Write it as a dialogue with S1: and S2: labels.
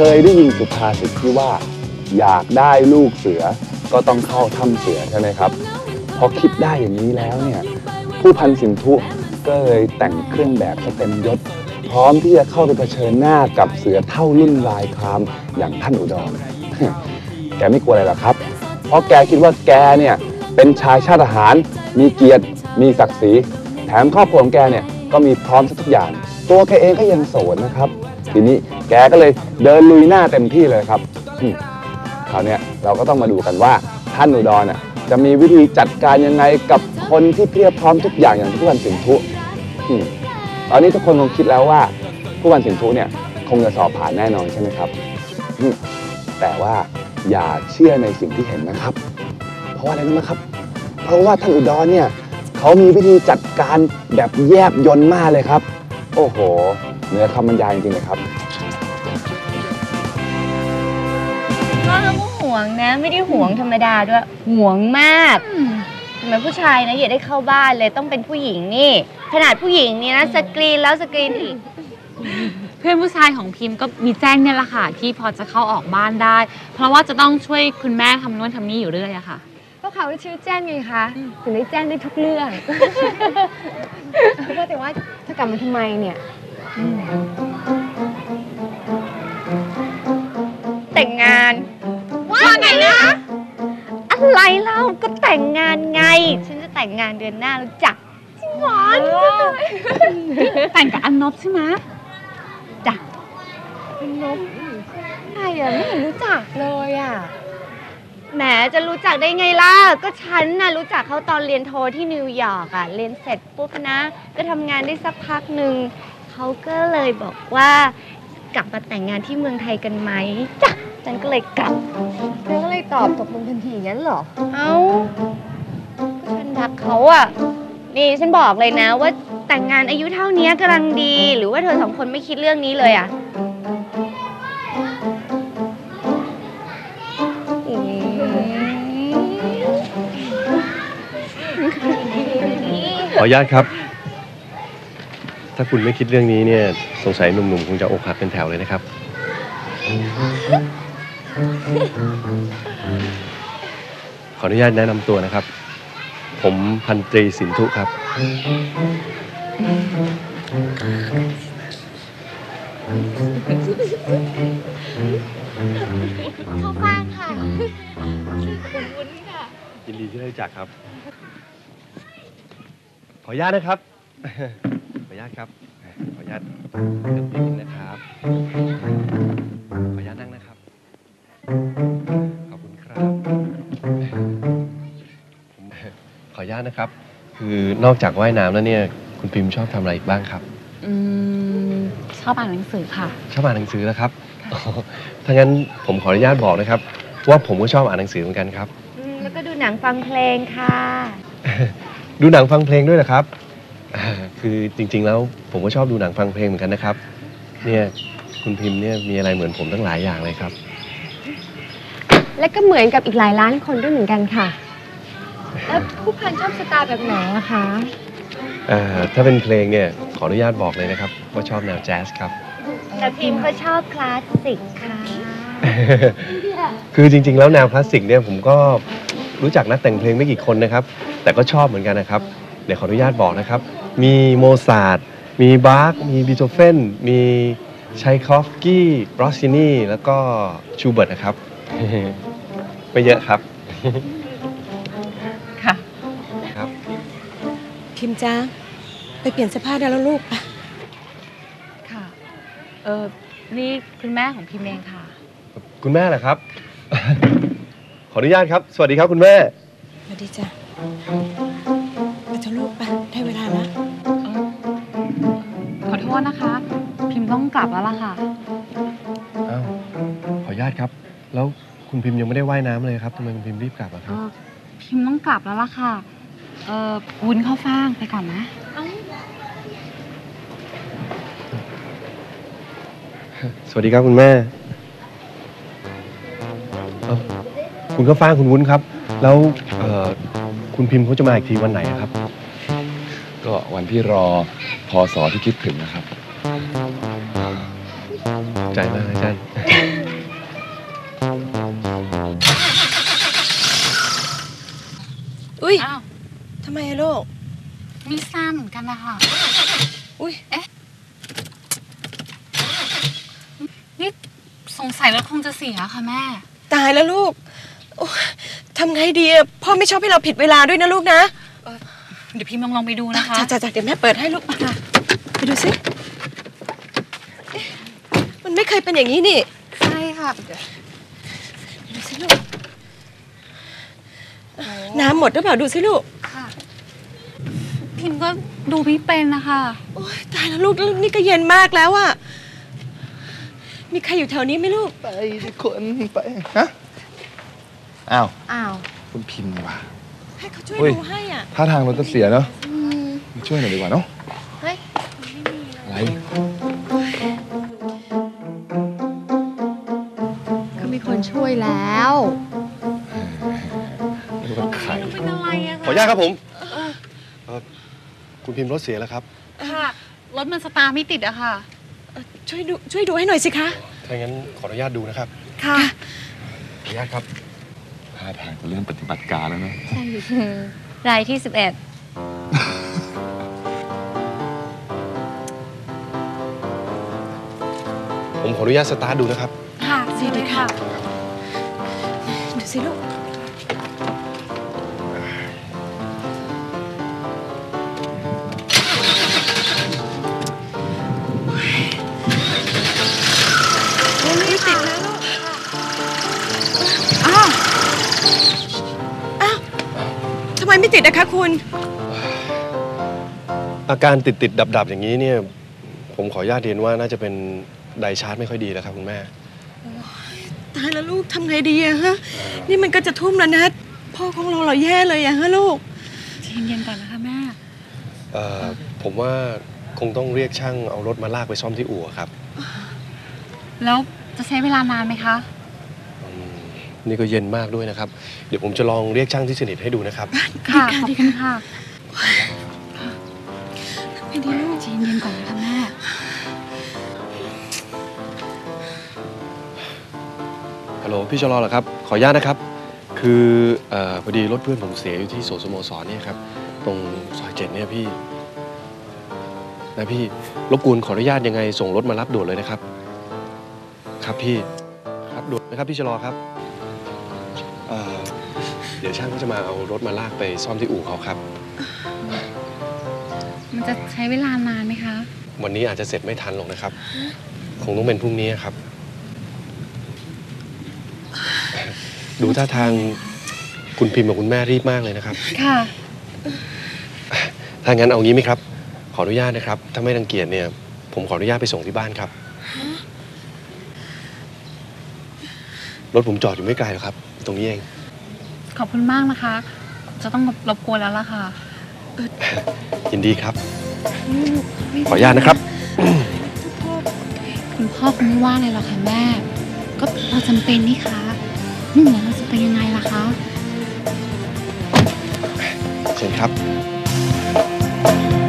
S1: ยได้ยินสุภาษิตที่ว่าอยากได้ลูกเสือก็ต้องเข้าถ้ำเสือใช่ไหมครับพอคิดได้อย่างนี้แล้วเนี่ยผู้พันสินธุก็เลยแต่งเครื่องแบบเต็มยศพร้อมที่จะเข้าไปเผชิญหน้ากับเสือเท่ารุ่นลายครามอย่างท่านอุดร แกไม่กลัวอะไรหรอกครับเพราะแกคิดว่าแกเนี่ยเป็นชายชาติทหารมีเกียรติมีศักดิ์ศรีแถมครอบครัวของแกเนี่ยก็มีพร้อมทุกอย่างตัวแกเองก็ยังโสดนะครับทีนี้แกก็เลยเดินลุยหน้าเต็มที่เลยครับคราวนี้เราก็ต้องมาดูกันว่าท่านอุดรจะมีวิธีจัดการยังไงกับคนที่เพียบพร้อมทุกอย่างผู้พันสินธุตอนนี้ทุกคนคงคิดแล้วว่าผู้พันสินธุเนี่ยคงจะสอบผ่านแน่นอนใช่ไหมครับแต่ว่าอย่าเชื่อในสิ่งที่เห็นนะครับเพราะอะไรรู้ไหมครับเพราะว่าท่านอุดรเนี่ยเขามีวิธีจัดการแบบแยบยลมากเลยครับโอ้โหเหนือคำบรรยายจริงๆเลยครับ
S2: ก็เขาห่วงนะไม่ได้ห่วงธรรมดาด้วยห่วงมากทำไมผู้ชายนะอย่าได้เข้าบ้านเลยต้องเป็นผู้หญิงนี่ขนาดผู้หญิงนี่นะสกรีนแล้วสกรีนอีก
S3: เพื่อนผู้ชายของพิมพ์ก็มีแจ้งเนี่ยแหละค่ะที่พอจะเข้าออกบ้านได้เพราะว่าจะต้องช่วยคุณแม่ทำนู่นทำนี่อยู่เรื่อยอะค่ะ
S4: ก็เขาชื่อแจ้งไงคะถึงได้แจ้งได้ทุกเรื่องก็แต่ว่าถ้ากลับมาทำไมเนี่ย
S2: แต่งงานว่าไงนะอะไรเล่าก็แต่งงานไงฉันจะแต่งงานเดือนหน้าแล้วจ้ะจริงหวาน
S3: แต่งกับอันนบใช่ไหม
S2: จ้ะ
S4: อันนบใครอะไม่เห็นรู้จักเลยอะ
S2: แหมจะรู้จักได้ไงล่ะก็ฉันน่ะรู้จักเขาตอนเรียนโทที่นิวยอร์กอะเรียนเสร็จปุ๊บนะก็ทำงานได้สักพักหนึ่งเขาก็เลยบอกว่ากลับมาแต่งงานที่เมืองไทยกันไหมจ้ะฉันก็เลยกลับ
S4: เธอก็เลยตอบตกลงทันทีอย่างนั้นเหรอ
S2: เอ้าก็ฉันรักเขาอะนี่ฉันบอกเลยนะว่าแต่งงานอายุเท่านี้กำลังดีหรือว่าเธอสองคนไม่คิดเรื่องนี้เลยอะ
S5: ขออนุญาตครับถ้าคุณไม่คิดเรื่องนี้เนี่ยสงสัยหนุ่มๆคงจะอกหักเป็นแถวเลยนะครับขออนุญาตแนะนำตัวนะครับผมพันตรีสินธุครับ
S2: เข้าบ้านค่ะ
S5: ยินดีที่ได้รู้จักครับขออนุญาตนะครับขออนุญาตครับขออนุญาตนิดนึงนะครับขออนุญาตนั่งนะครับขอบคุณครับขออนุญาตนะครับคือนอกจากว่ายน้ำแล้วเนี่ยคุณพิมพ์ชอบทำอะไรอีกบ้างครับ
S3: ชอบอ่านหนังสือค่ะ
S5: ชอบอ่านหนังสือแล้วครับถ้างั้นผมขออนุญาตบอกนะครับว่าผมก็ชอบอ่านหนังสือเหมือนกันครับ
S2: แล้วก็ดูหนังฟังเพลงค่ะ
S5: ดูหนังฟังเพลงด้วยเหรอครับคือจริงๆแล้วผมก็ชอบดูหนังฟังเพลงเหมือนกันนะครับเนี่ยคุณพิมพ์เนี่ยมีอะไรเหมือนผมตั้งหลายอย่างเลยครับ
S4: และก็เหมือนกับอีกหลายล้านคนด้วยเหมือนกันค่ะแล้วผู้พันชอบสไตล์แบบไหนอะคะ
S5: ถ้าเป็นเพลงเนี่ยขออนุญาตบอกเลยนะครับว่าชอบแนวแจ๊สครับ
S2: แต่พิมพ์ก็ชอบคลาสสิกค่ะ
S5: คือจริงๆแล้วแนวคลาสสิกเนี่ยผมก็รู้จักนักแต่งเพลงไม่กี่คนนะครับแต่ก็ชอบเหมือนกันนะครับเดี๋ยวขออนุญาตบอกนะครับมีโมซาร์ทมีบาร์กมีบีโธเฟนมีชัยคอฟสกี้รอสซินีแล้วก็ชูเบิร์ตนะครับไม่เยอะครับ
S3: ค่ะ
S5: ครับ
S6: พิมจ้าไปเปลี่ยนเสื้อผ้าได้แล้วลูกปะ
S3: ค่ะนี่คุณแม่ของพิมเองค่ะ
S5: คุณแม่เหรอครับ ขออนุญาตครับสวัสดีครับคุณแม่
S6: สวัสดีจ้ะไปเถอะลูกไปได้เวลาแล้ว
S3: ขอโทษนะคะพิมต้องกลับแล้วล่ะค่ะ
S5: อ้าวขออนุญาตครับแล้วคุณพิมยังไม่ได้ว่ายน้ำเลยครับทำไมคุณพิมรีบกลับอะครับ
S3: พิมต้องกลับแล้วล่ะค่ะวุ้นเข้าฟ่างไปก่อนนะ
S5: สวัสดีครับคุณแม่คุณก็ฟ้างคุณวุ้นครับแล้วคุณพิมพ์เขาจะมาอีกทีวันไหนครับ
S1: ก็วันที่รอพศที่คิดถึงนะครับ
S5: ใจมากอาจารย์
S6: อุ้ย
S3: อ้าว
S6: ทำไมอะลูก
S3: ไม่ทราบเหมือนกันนะคะ
S6: อุ้ย
S3: นี่สงสัยรถคงจะเสียค่ะแม่
S6: ตายแล้วลูกโอ๊ยทำไงดีอะพ่อไม่ชอบให้เราผิดเวลาด้วยนะลูกนะ
S3: เดี๋ยวพิมพ์ลองไปดูนะคะ
S6: จ้ะเดี๋ยวแม่เปิดให้ลูกค่ะไปดูสิเอ๊ะมันไม่เคยเป็นอย่างนี้นี่
S3: ใช่ค่ะ
S6: ดูสิลูกน้ำหมดหรือเปล่าดูสิลูก
S3: ค่ะ พิมพ์ก็ดูไม่เป็นนะคะ
S6: โอ๊ยตายแล้วลูกนี่ก็เย็นมากแล้วอะมีใครอยู่แถวนี้ไหมลูก
S1: ไปทุกคนไปฮะอ้าว
S2: อ้าว
S1: คุณพิมพ์ว่ะ
S6: ให้เขาช่วย
S1: เฮ้ย
S6: ดูให้อ่ะ
S1: ท่าทางรถจะเสียเนาะมาช่วยหน่อยดีกว่าเนาะ
S2: เฮ้ย
S1: อะไร
S2: ก็มีคนช่วยแล้ว
S1: รถไข่
S3: เป็นอะไรอะ
S5: ขออนุญาตครับผมคุณพิมพ์รถเสียแล้วครับ
S3: ค่ะ รถมันสตาร์ทไม่ติดอะค่ะ
S6: ช่วยดูให้หน่อยสิคะ
S5: ถ้างั้นขออนุญาตดูนะครับ
S6: ค่ะ
S5: ขออนุญาตครับ
S1: ท่าทางจะเริ่มปฏิบัติการแล้วเนาะ
S2: รายที่ 11
S5: ผมขออนุญาตสตาร์ทดูนะครับ
S3: ค่ะดีค่ะ
S6: ดูสิลูก ไม่ติดแล้วลูก
S3: อ้าว
S6: อ้าวทำไมไม่ติดนะคะคุณ
S5: อาการติดดับอย่างนี้เนี่ย ผมขออนุญาตเรียนว่าน่าจะเป็นไดชาร์จไม่ค่อยดีแล้วครับคุณแม่
S6: ตายแล้วลูกทำไงดีอะฮะ นี่มันก็จะทุ่มแล้วนะ พ่อของเราแย่เลยอะฮะลูก
S3: ใจเย็นๆก่อนนะคะแม่
S5: ผมว่าคงต้องเรียกช่างเอารถมาลากไปซ่อมที่อู่ครับ
S3: แล้วจะใช้เวลานานไหมคะ
S5: นี่ก็เย็นมากด้วยนะครับ เดี๋ยวผมจะลองเรียกช่างที่สนิทให้ดูนะครับ
S3: ค่ะ ขอบคุณค่ะ
S6: ไม่ดีลูก
S3: ใจเย็นๆก่อนนะคะแม่
S5: ฮัลโหลพี่ชลอเหรอครับ ขออนุญาตนะครับ คือพอดีรถเพื่อนผมเสียอยู่ที่สวนสโมสรเนี่ยครับ ตรงซอย7เนี่ยพี่นะพี่รบกวนขออนุญาตยังไงส่งรถมารับด่วนเลยนะครับ ครับพี่ครับด่วนนะครับพี่ชลอครับเดี๋ยวช่างก็จะมาเอารถมาลากไปซ่อมที่อู่เขาครับ
S3: มันจะใช้เวลานานไหมคะ
S5: วันนี้อาจจะเสร็จไม่ทันหรอกนะครับ คงต้องเป็นพรุ่งนี้ครับ ดูท่าทางคุณพิมพ์กับคุณแม่รีบมากเลยนะครับ
S3: ค่ะ
S5: ถ้างั้นเอางี้ไหมครับ ขออนุญาตนะครับ ถ้าไม่รังเกียจเนี่ย ผมขออนุญาตไปส่งที่บ้านครับ รถผมจอดอยู่ไม่ไกลหรอกครับ ตรงนี้เอง
S3: ขอบคุณมากนะคะ จะต้องรบกวนแล้วล่ะค่ะ
S5: ยินดีครับ ขออนุญาตนะครับ
S3: คุณพ่อคงไม่ว่าอะไรหรอกค่ะแม่ ก็เราจำเป็นนี่คะไม่งั้นเราจะไปยังไงล่ะคะ
S5: เชิญครับ